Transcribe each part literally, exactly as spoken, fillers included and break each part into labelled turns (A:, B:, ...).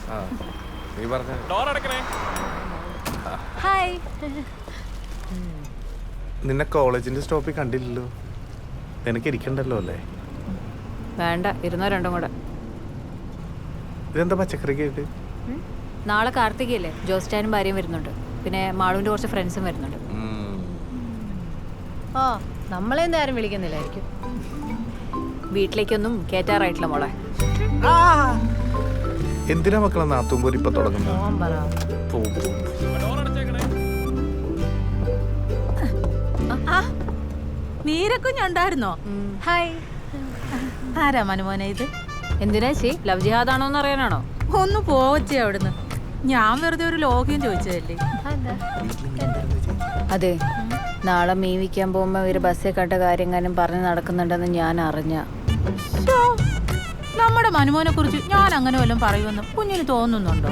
A: Hi.
B: നിന്നെ കോളേജിന്റെ സ്റ്റോപ്പിൽ കണ്ടില്ലല്ലോ. നിനക്ക് ഇരിക്കണ്ടല്ലോ അല്ലേ?
A: വേണ്ട, ഇരുന്നോ രണ്ടും കൂടെ.
B: ഇതെന്താ പച്ചക്കറിക്ക് ആയിട്ട്?
A: നാളെ കാർത്തികയല്ലേ, ജോസ്റ്റാനും ഭാര്യയും വരുന്നുണ്ട്. പിന്നെ മാളുവിന്റെ കുറച്ച് ഫ്രണ്ട്സും വരുന്നുണ്ട്.
C: ഓ, നമ്മളെന്താ ആരും വിളിക്കുന്നില്ലായിരിക്കും.
A: വീട്ടിലേക്കൊന്നും കേറ്റാറായിട്ടില്ല മോളെ.
B: എന്തിനാ മക്കളെ നാത്തുമ്പോൾ ഇപ്പൊ തുടങ്ങുന്നത്?
C: നീരക്കുഞ്ഞുണ്ടായിരുന്നോ?
A: ഹായ്.
C: ആരാ മനുമോനെ ഇത്?
A: എന്തിനാ ചേ, ലവ് ജിഹാദാണോ എന്ന് അറിയാനാണോ?
C: ഒന്ന് പോവച്ചേ അവിടുന്ന്. ഞാൻ വെറുതെ ഒരു ലോഗ്യം ചോദിച്ചതല്ലേ.
A: അതെ, നാളെ മീൻ വിൽക്കാൻ പോകുമ്പോ ഇവര് ബസ്സിൽ കണ്ട കാര്യങ്ങളും പറഞ്ഞ് നടക്കുന്നുണ്ടെന്ന് ഞാൻ അറിഞ്ഞ.
C: നമ്മുടെ മനുമോനെ കുറിച്ച് ഞാൻ അങ്ങനെ വല്ലതും പറയുമെന്ന് കുഞ്ഞിന് തോന്നുന്നുണ്ടോ?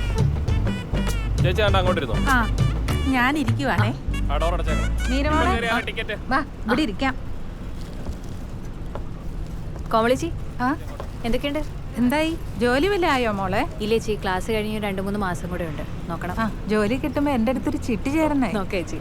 C: ആ, ഞാൻ ഇരിക്കുവാണേ. വാ, ഇവിടെ ഇരിക്കാം.
A: കോമളിച്ചി,
C: ആ,
A: എന്തൊക്കെയുണ്ട്?
C: എന്തായി, ജോലി വല്ല ആയോ മോളെ?
A: ഇല്ലേ ചി, ക്ലാസ് കഴിഞ്ഞ് രണ്ടു മൂന്ന് മാസം കൂടെ ഉണ്ട്. നോക്കണം.
C: ആ, ജോലി കിട്ടുമ്പോ എന്റെ അടുത്തൊരു ചിട്ടി ചേരണേ.
A: നോക്കേ ചേച്ചി.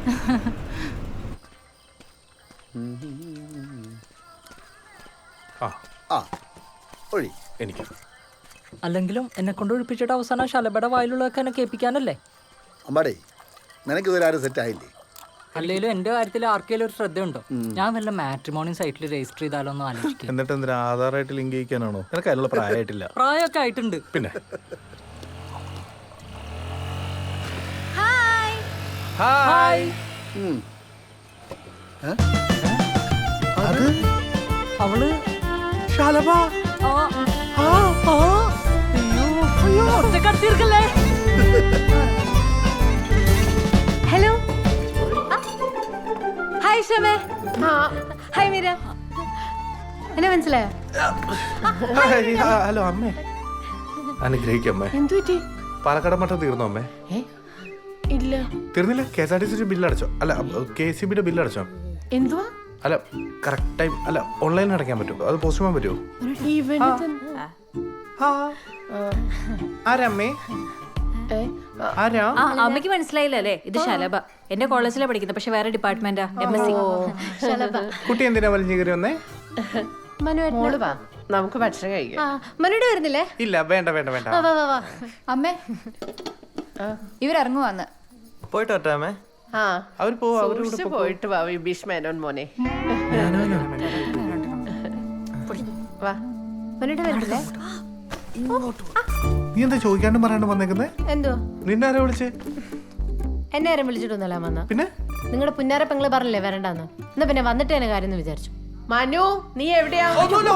B: എനിക്ക്
D: അല്ലെങ്കിലും എന്നെ കൊണ്ട് ഒഴിപ്പിച്ചിട്ട് അവസാനം ശലഭയുടെ വായിലുള്ളതൊക്കെ എന്നെ കേൾപ്പിക്കാനല്ലേ?
E: അമ്പാടേ, നിനക്ക് ഇതുവരെ ആരും സെറ്റ് ആയില്ലേ?
D: അല്ലെങ്കിലും എന്റെ കാര്യത്തിൽ ആർക്കെങ്കിലും ഒരു ശ്രദ്ധയുണ്ടോ? ഞാൻ വല്ല മാട്രിമോണി സൈറ്റിൽ രജിസ്റ്റർ ചെയ്താലോ എന്ന് ആലോചിക്കും.
B: എന്നിട്ട് എന്തിനാ ആധാറായിട്ട് ലിങ്ക് ചെയ്യിക്കാനാണോ? നിനക്ക് അതിനുള്ള പ്രായമായിട്ടില്ല.
D: പ്രായമൊക്കെ ആയിട്ടുണ്ട്.
B: പിന്നെ
D: ഹായ്. അവള്
B: ശലഭ.
D: ഒറ്റക്കടത്തിയിരിക്കല്ലേ?
A: ഹലോ. ഹായ് ഷമേ. ഹായ് മീര. എന്നെ മനസ്സിലായോ?
B: ഹലോ അമ്മേ. അനുഗ്രഹിക്കമ്മേ.
F: എന്തുപറ്റി?
B: പാലക്കാട് മട്ടം തീർന്നോ അമ്മേ?
F: ഇല്ല.
B: തീർന്നില്ല? K S R T C bill അടച്ചോ? അല്ല, കെ സി ബിയുടെ ബില്ല് അടച്ചോ?
F: എന്തുവാ?
B: അല്ല, കറക്റ്റ് ടൈം അല്ല, ഓൺലൈനിൽ അടയ്ക്കാൻ പറ്റുമോ? അത് പോസ്റ്റ് ചെയ്യാൻ പറ്റുമോ? ആരമ്മേ? ആരാ?
A: ആ, അമ്മയ്ക്ക് മനസ്സിലായില്ല അല്ലേ? ഇത് ശലഭ. എന്റെ കോളേജിലാണ് പഠിക്കുന്നത്, പക്ഷെ വേറെ ഡിപ്പാർട്ട്മെന്റാ, എം എസ് സി.
B: കുട്ടി എന്തിനാ വലിഞ്ഞു കയറി വന്നേ?
F: മോള് വാ, നമുക്ക് ഭക്ഷണം കഴിക്കാം.
C: മനുടെ വരുന്നില്ലേ?
B: ഇല്ല, വേണ്ട വേണ്ട വേണ്ട.
C: അമ്മേ, ഇവരിറങ്ങുവാന്ന്.
D: പോയിട്ട് വരട്ടെ.
F: ആ,
B: അവർ പോവാ.
F: സൂക്ഷിച്ച് പോയിട്ട് വാ വിഭീഷ് മേനോൻ മോനെ. വാ.
C: മനുടെ വരുന്നില്ലേ?
B: നീ എന്താ ചോദിക്കാണ്ടും പറയാണ്ടും വന്നേക്കുന്നേ?
C: എന്തോ?
B: നിന്നെ ആരാ വിളിച്ചേ?
C: എന്നെ ആരും വിളിച്ചിട്ടൊന്നുമല്ല വന്ന.
B: പിന്നെ
C: നിങ്ങളുടെ പുന്നാര പെങ്ങള് പറഞ്ഞില്ലേ വരണ്ടാന്ന്. എന്നാ പിന്നെ വന്നിട്ട് തന്നെ കാര്യം എന്ന് വിചാരിച്ചു.
F: മനു, നീ എവിടെയാ?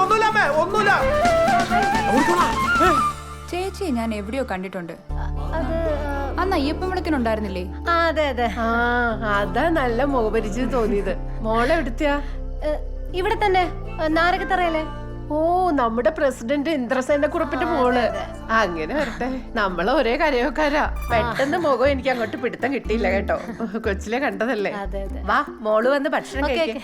G: ചേച്ചി ഞാൻ എവിടെയോ കണ്ടിട്ടുണ്ട്. അന്ന് അയ്യപ്പൻ വിളക്കിനുണ്ടായിരുന്നില്ലേ?
C: അതെ അതെ.
F: ആ, അതാ നല്ല മുഖപരിചയം തോന്നിയത്. മോളെ എവിടുത്തെയാ?
C: ഇവിടെ തന്നെ, നാരകത്തറയല്ലേ?
F: ഓ, നമ്മുടെ പ്രസിഡന്റ് ഇന്ദ്രസേന കുറിപ്പിന്റെ മോള്. അങ്ങനെ വരട്ടെ, നമ്മള് ഒരേ കരയോക്കാരാ. പെട്ടെന്ന് മുഖം എനിക്ക് അങ്ങോട്ട് പിടുത്തം കിട്ടിയില്ല കേട്ടോ, കൊച്ചിലെ കണ്ടതല്ലേ. വാ, മോള് വന്ന് ഭക്ഷണം കഴിക്കാം.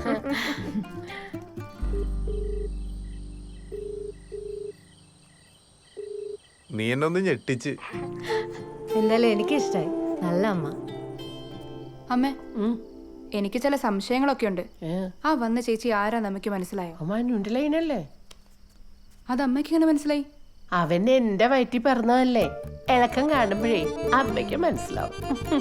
B: നീ എന്നെ ഒന്ന് ഞെട്ടിച്ച്.
C: എന്തായാലും എനിക്ക് ഇഷ്ടായി. നല്ല അമ്മ.
G: അമ്മേ, എനിക്ക് ചില സംശയങ്ങളൊക്കെ ഉണ്ട്. ആ വന്ന ചേച്ചി ആരാ നമുക്ക് മനസ്സിലായോ?
F: ലൈനല്ലേ?
G: അത് അമ്മയ്ക്ക് ഇങ്ങനെ മനസ്സിലായി?
F: അവൻ എന്റെ വയറ്റി പറഞ്ഞതല്ലേ. ഇളക്കം കാണുമ്പോഴേ അമ്മയ്ക്ക് മനസ്സിലാവും.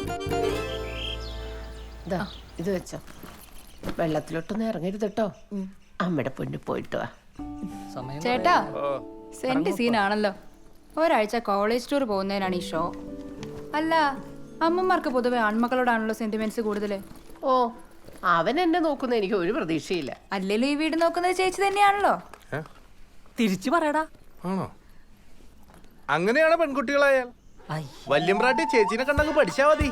F: ഇത് വെച്ചോ, വെള്ളത്തിലോട്ടൊന്നും ഇറങ്ങരുത് കേട്ടോ. അമ്മയുടെ പൊന്നു പോയിട്ട് വാ.
G: ചേട്ടാ, സെന്റ് സീനാണല്ലോ. ഒരാഴ്ച കോളേജ് ടൂർ പോകുന്നതിനാണ് ഈ ഷോ. അല്ല, അമ്മമാർക്ക് പൊതുവെ ആൺമക്കളോടാണല്ലോ സെന്റിമെന്റ്സ് കൂടുതൽ.
F: ഓ, അവൻ എന്നെ നോക്കുന്ന എനിക്ക് ഒരു പ്രതീക്ഷയില്ല.
G: അല്ലെങ്കിലും ഈ വീട് നോക്കുന്നത് ചേച്ചി തന്നെയാണല്ലോ.
D: തിരിച്ചു പറയടാ.
B: ആണോ? അങ്ങനെയാണ് പെൺകുട്ടികളായാൽ. വല്യമ്പ്രാട്ടി ചേച്ചീനെ കണ്ടങ്ങ് പഠിച്ചാ മതി.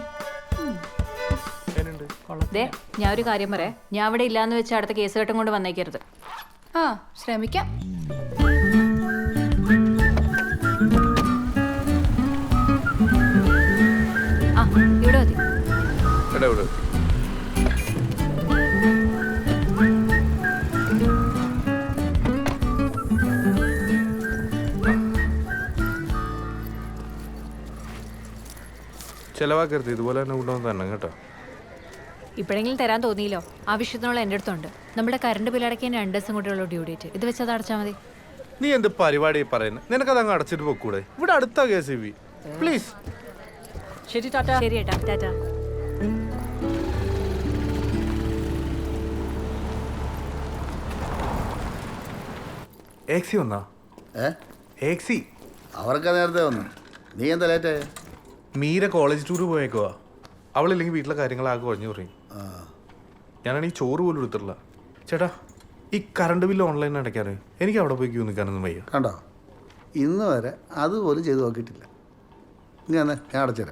A: ദേ, ഞാൻ ഒരു കാര്യം പറയാം. ഞാൻ അവിടെ ഇല്ലാന്ന് വെച്ച് അടുത്ത കേസ് കെട്ടും കൊണ്ട് വന്നേക്കരുത്.
G: ആ, ശ്രമിക്കാം.
A: ആ, ഇവിടെ മതി.
B: ചിലവാക്കരുത്, ഇതുപോലെ തന്നെ കൊണ്ടുവന്ന് തന്നെ കേട്ടോ.
H: ഇപ്പോഴെങ്കിലും തരാൻ തോന്നിയില്ലോ. ആവശ്യത്തിനുള്ള എൻ്റെ അടുത്തുണ്ട്. നമ്മുടെ കറണ്ട് ബിൽ അടയ്ക്കാൻ രണ്ട് ദിവസം കൂടെയുള്ള ഡ്യൂ ഡേറ്റ്. ഇത് വെച്ച് അത് അടച്ചാൽ മതി.
B: നീ എന്ത് പരിപാടി പറയുന്നത്? നിനക്കത് അങ്ങ് അടച്ചിട്ട് പോക്കൂടെ? ഇവിടെ അടുത്ത കെ സി ബി. പ്ലീസ്.
D: ശരി ടാറ്റ.
H: ശരി ഏട്ടാ, ടാറ്റ.
B: ഏക്സി വന്നാ?
E: ഏ
B: ഏക്സി
E: അവർക്ക് നേരത്തെ വന്നു. നീ എന്താ ലേറ്റ്?
B: മീര കോളേജ് ടൂർ പോയേക്കുവാ. അവളില്ലെങ്കിൽ വീട്ടിലെ കാര്യങ്ങളാകെ കുഴഞ്ഞു പറയും.
E: ആ
B: ഞാനാണെങ്കിൽ ചോറ് പോലും എടുത്തിട്ടില്ല. ചേട്ടാ, ഈ കറണ്ട് ബില്ല് ഓൺലൈൻ അടയ്ക്കാറ് എനിക്ക് അവിടെ പോയി ക്യൂ നിൽക്കാനൊന്നും വയ്യ.
E: കണ്ടോ, ഇന്ന് വരെ അതുപോലും ചെയ്ത് നോക്കിയിട്ടില്ല. നീ അന്നേ ഞാൻ അടച്ചുതരാം.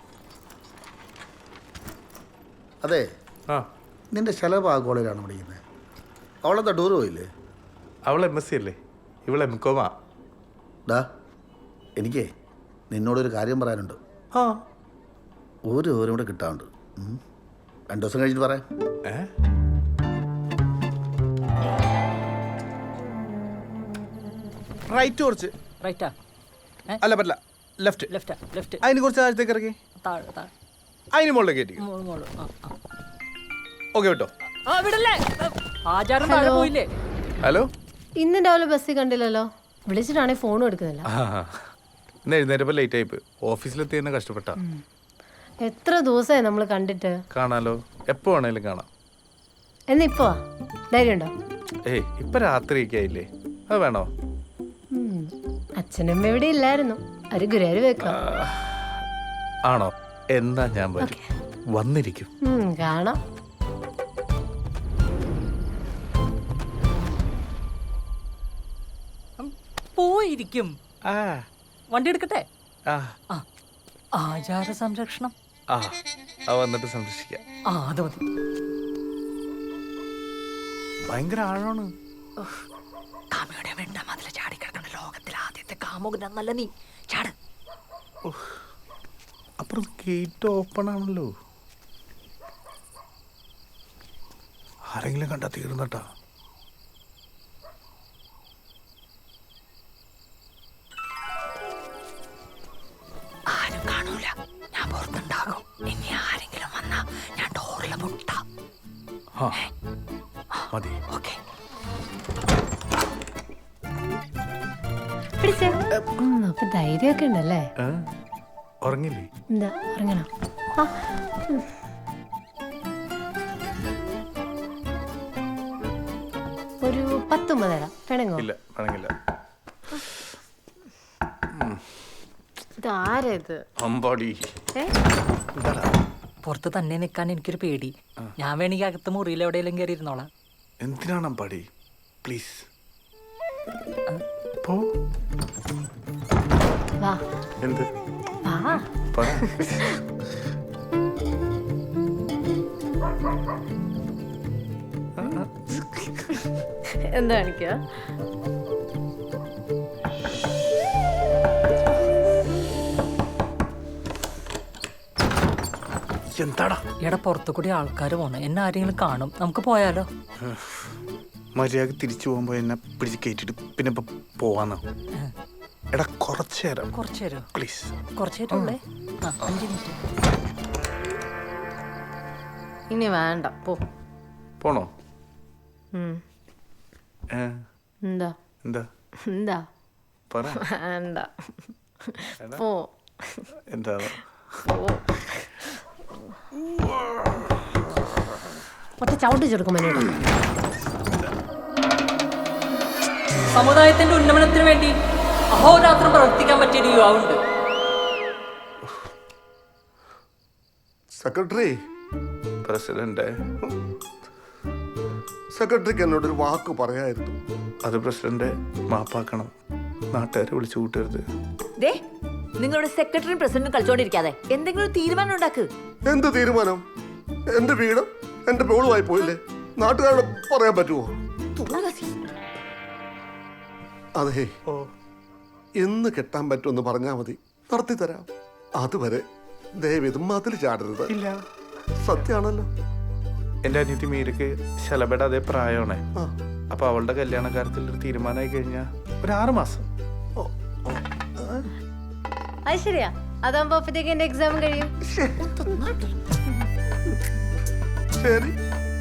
E: അതെ,
B: ആ,
E: നിന്റെ ശലഭ ആ കോളേജിലാണ് പഠിക്കുന്നത്. അവളെന്താ ടൂർ പോയില്ലേ?
B: അവൾ എം എസ് സി അല്ലേ, ഇവൾ എം കോമാ.
E: ഡാ, എനിക്കേ നിന്നോടൊരു കാര്യം പറയാനുണ്ട്.
B: ആ,
E: ഒരു ഓരും കൂടെ കിട്ടാറുണ്ട്. ഉം. രണ്ട് ദിവസം കഴിഞ്ഞിട്ട് പറയാം.
B: ഏ റൈറ്റ് കുറച്ച്.
D: റൈറ്റാ?
B: അല്ല പറ്റില്ല, ലെഫ്റ്റ്.
D: ലെഫ്റ്റാ? ലെഫ്റ്റ്.
B: അതിന് കുറച്ച് താഴത്തേക്ക് ഇറക്കി,
D: താഴെ താഴെ.
B: അതിന് മുകളിലേക്ക് കയറ്റി.
D: മോള് മോള്. ആ ആ.
B: ഓക്കെ കേട്ടോ.
D: ആ വിടല്ലേ, ആചാരം താഴെ പോയില്ലേ?
B: ഹലോ.
I: ഇന്ന് രാവിലെ ബസ്സിൽ കണ്ടില്ലല്ലോ. വിളിച്ചിട്ടാണെങ്കിൽ ഫോണും എടുക്കുന്നില്ല.
B: ആ, ഇന്ന് എഴുന്നേറ്റപ്പോൾ ലേറ്റ് ആയിപ്പ്. ഓഫീസിലെത്തി തന്നെ കഷ്ടപ്പെട്ട.
I: എത്ര ദിവസമായി നമ്മൾ കണ്ടിട്ട്.
B: കാണാലോ, എപ്പോ വേണേലും കാണാം.
I: എന്നിപ്പോ ധൈര്യമുണ്ടോ?
B: ഏയ്, ഇപ്പൊ രാത്രിയൊക്കെ ആയില്ലേ, അത് വേണോ?
I: അച്ഛനമ്മ ഇവിടെ ഇല്ലായിരുന്നു. ഒരു ഗുരുവായൂർ വെക്കാം.
B: ആണോ? എന്നാ ഞാൻ വരും, വന്നിരിക്കും.
I: ഉം, കാണാം.
D: പോയിരിക്കും.
B: ആ
D: വണ്ടി എടുക്കട്ടെ?
B: ആ
D: ആ, ആചാര സംരക്ഷണം.
B: ആ അത് വന്നിട്ട് സംരക്ഷിക്കാം.
D: ആ അത് മതി.
B: ഭയങ്കര ആഴമാണ്.
D: കാമയുടെ വെണ്ട മതിൽ ചാടിക്കിടക്കണ ലോകത്തിലെ ആദ്യത്തെ കാമുകനല്ല നീ. ചാട്.
B: അപ്പുറം ഗേറ്റ് ഓപ്പൺ ആണല്ലോ. ആരെങ്കിലും കണ്ടാ തീർന്നട്ടാ.
D: ആരും കാണൂല, ഞാൻ പുറത്തുണ്ടാകും. ഇനി ആരെങ്കിലും വന്നാ ഞാൻ ഡോറിലെ മുട്ട.
B: ആ മതി.
D: ഓക്കെ.
I: പിടിച്ചേ. ഉം, അപ്പൊ ധൈര്യമൊക്കെ ഉണ്ടല്ലേ.
B: ഏ? ഉറങ്ങില്ലേ?
I: എന്താ ഇറങ്ങണോ? ആ, ഉം. ഒരു പത്തൊമ്പത് തരാം. വേണമെങ്കോ?
B: ഇല്ല, വേണമെങ്കില്ല.
I: ഇതാരാ ഇത്?
B: അമ്പാടി.
I: ഏ?
B: എന്താടാ?
D: പുറത്ത് തന്നെ നിൽക്കാൻ എനിക്കൊരു പേടി. ഞാൻ വേണമെങ്കിൽ അകത്ത് മുറിയിൽ എവിടെയെങ്കിലും കയറി ഇരുന്നോളാം.
B: എന്തിനാണ് അമ്പാടി? പ്ലീസ് പോ.
I: വാ
B: എന്ത്?
I: വാ.
B: പറ.
I: എന്താ കാണിക്കുക?
B: എന്താടാ?
D: ഇവിടെ പുറത്തു കൂടി ആൾക്കാർ പോണ, എന്നെ ആരെങ്കിലും കാണും. നമുക്ക് പോയാലോ?
B: മര്യാദ തിരിച്ചു പോകുമ്പോ എന്നെ പിടിച്ച് കയറ്റിട്ട് പിന്നെ ഇപ്പൊ പോവാന്നോ? എടാ, കുറച്ചു നേരം
D: കുറച്ചു നേരം.
B: പ്ലീസ്.
D: കുറച്ചു നേരം ഉള്ളേ. ആ, അഞ്ച് മിനിറ്റ്.
I: ഇനി വേണ്ട, പോ.
B: പോണോ?
I: ഉം.
B: ഏ,
I: എന്താ
B: എന്താ
I: എന്താ?
B: പറ.
I: വേണ്ട, പോ.
B: എന്താ?
I: ഒറ്റ ചവിട്ടി ചെറുക്കും മനോട്.
D: സമുദായത്തിന്റെ ഉന്നമനത്തിന് വേണ്ടി അഹോരാത്രം പ്രവർത്തിക്കാൻ പറ്റിയ ഒരു യുവാവുണ്ട്.
J: സെക്രട്ടറി,
B: പ്രസിഡന്റ്,
J: സെക്രട്ടറിക്ക് എന്നോടൊരു വാക്ക് പറയായിരുന്നു.
B: അത് പ്രസിഡന്റ് മാപ്പാക്കണം. നാട്ടുകാരെ വിളിച്ചു കൂട്ടരുത്.
A: ദേ, നിങ്ങളുടെ സെക്രട്ടറി പ്രസിഡന്റ് കളിച്ചോണ്ടിരിക്കാതെ എന്തെങ്കിലും ഒരു തീരുമാനം ഉണ്ടാക്ക്.
J: എന്ത് തീരുമാനം? എന്റെ വീട് എന്റെ മോളുമായി പോയില്ലേ, നാട്ടുകാരോട് പറയാൻ പറ്റുമോ? അതെ, എന്ന് കെട്ടാൻ പറ്റുമെന്ന് പറഞ്ഞാൽ മതി, നടത്തി തരാം. അതുവരെ ദയവിത് മതിൽ ചാടരുത്.
B: ഇല്ല,
J: സത്യാണല്ലോ.
B: എന്റെ അനിയത്തി മീരക്ക് ശലഭയുടെ അതേ പ്രായമാണേ.
J: ആ.
B: അപ്പൊ അവളുടെ കല്യാണ കാര്യത്തിൽ ഒരു തീരുമാനമായി കഴിഞ്ഞാ ഒരു ആറ് മാസം.
A: അത് ശരിയാ,
I: അതാകുമ്പോ അപ്പത്തേക്ക് എന്റെ എക്സാം കഴിയും.
J: ശരി.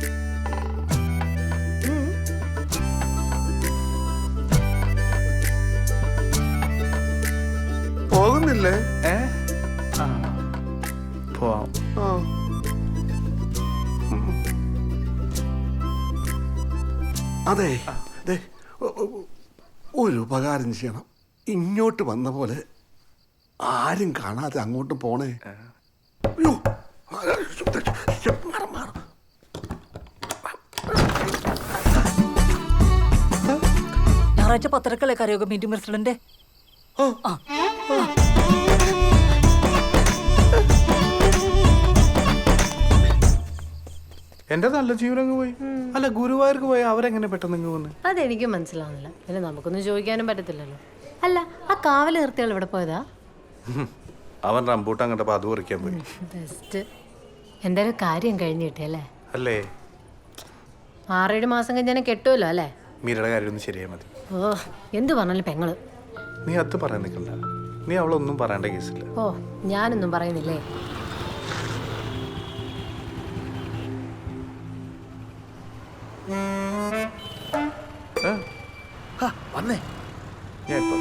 J: പോകുന്നില്ലേ?
B: ഏ ആ പോവാം.
J: ആ. അതെ ദേ, ഒ- ഒ- ഒരു ഉപകാരം ചെയ്യണം. ഇങ്ങോട്ട് വന്ന പോലെ ആരും കാണാതെ അങ്ങോട്ട് പോണേ. അയ്യോ. മാറ്, മാറ്.
D: ഞായറാഴ്ച പത്രക്കളെ കരയോഗ മീറ്റിംഗ് പ്രസിഡന്റ്.
B: എന്റെ നല്ല ജീവനങ്ങ് പോയി. അല്ല ഗുരുവായൂർക്ക് പോയി അവരെങ്ങനെ പെട്ടെന്ന് ഇങ്ങ് വന്ന്?
I: അതെനിക്കും മനസ്സിലാവുന്നില്ല. പിന്നെ നമുക്കൊന്നും ചോദിക്കാനും പറ്റത്തില്ലല്ലോ. അല്ല, ആ കാവല് നിർത്തിയാൾ ഇവിടെ പോയതാ?
B: അവൻ റംബൂട്ടാൻ കണ്ടപ്പോ അത് പറിക്കാൻ പോയി.
I: ബെസ്റ്റ്. എന്തായാലും കാര്യം കഴിഞ്ഞ് കിട്ടിയല്ലേ?
B: അല്ലേ?
I: ആറേഴ് മാസം കഴിഞ്ഞാൽ കെട്ടുമല്ലോ അല്ലേ?
B: മീരയുടെ കാര്യം ഒന്ന് ശരിയായി മതി.
I: ഓ, എന്ത് പറഞ്ഞാലും പെങ്ങള്.
B: നീ അത് പറയാൻ നിൽക്കണ്ട. നീ അവളൊന്നും പറയേണ്ട കേസില്ല.
I: ഓ, ഞാനൊന്നും പറയുന്നില്ലേ.
B: ഏ?
E: വന്നേ.
B: ഞാൻ ഇപ്പൊ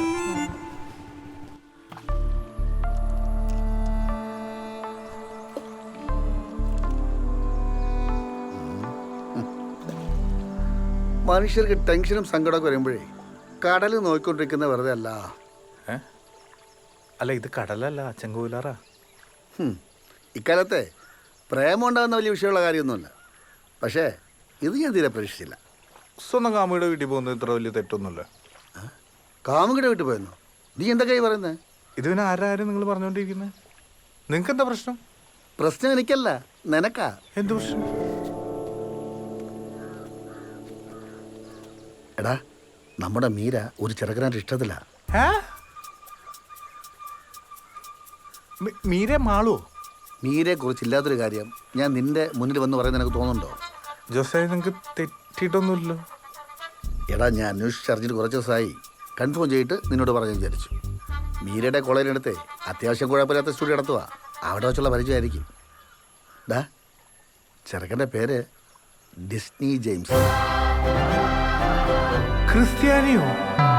E: മനുഷ്യർക്ക് ടെൻഷനും സങ്കടമൊക്കെ വരുമ്പോഴേ കടൽ നോക്കിക്കൊണ്ടിരിക്കുന്ന വെറുതെ അല്ല.
B: ഏ? അല്ല ഇത് കടലല്ല, ചെങ്കോലാറാ.
E: ഹും. ഇക്കാലത്തെ പ്രേമം ഉണ്ടാകുന്ന വലിയ വിഷയമുള്ള കാര്യമൊന്നുമില്ല. പക്ഷേ ഇത് ഞാൻ തീരെ പ്രതീക്ഷിച്ചില്ല.
B: സ്വന്തം കാമുകിയുടെ വീട്ടിൽ പോകുന്നത് ഇത്ര വലിയ തെറ്റൊന്നുമില്ല.
E: കാമുകിയുടെ വീട്ടിൽ പോയെന്നോ? നീ എന്തൊക്കെയായി പറയുന്നത്?
B: ഇത് പിന്നെ ആരാരും നിങ്ങൾ പറഞ്ഞുകൊണ്ടിരിക്കുന്നത്? നിങ്ങൾക്ക് എന്താ പ്രശ്നം?
E: പ്രശ്നം എനിക്കല്ല, നിനക്കാ.
B: എന്ത് പ്രശ്നം?
E: എടാ, നമ്മുടെ മീര ഒരു ചെറുക്കനായിട്ട് ഇഷ്ടത്തില്ല.
B: ഏ? മീ- മീരെ മാളോ?
E: മീരയെ കുറിച്ച് ഇല്ലാത്തൊരു കാര്യം ഞാൻ നിന്റെ മുന്നിൽ വന്ന് പറയുന്നത് നിനക്ക് തോന്നുന്നുണ്ടോ?
B: ജോസേ നിങ്ങൾക്ക് തെറ്റിയിട്ടൊന്നുമില്ലല്ലോ.
E: എടാ, ഞാൻ അന്വേഷിച്ചറിഞ്ഞിട്ട് കുറച്ച് ദിവസമായി. കൺഫേം ചെയ്തിട്ട് നിന്നോട് പറഞ്ഞു വിചാരിച്ചു. മീരയുടെ കോളേജിനടുത്ത് അത്യാവശ്യം കുഴപ്പമില്ലാത്ത സ്റ്റുഡിയോ നടത്തുക. അവിടെ വെച്ചുള്ള പരിചയമായിരിക്കും. ഡാ, ചെറുക്കൻ്റെ പേര് ഡിസ്നി ജെയിംസ്.
B: ക്രിസ്ത്യാനിയോ?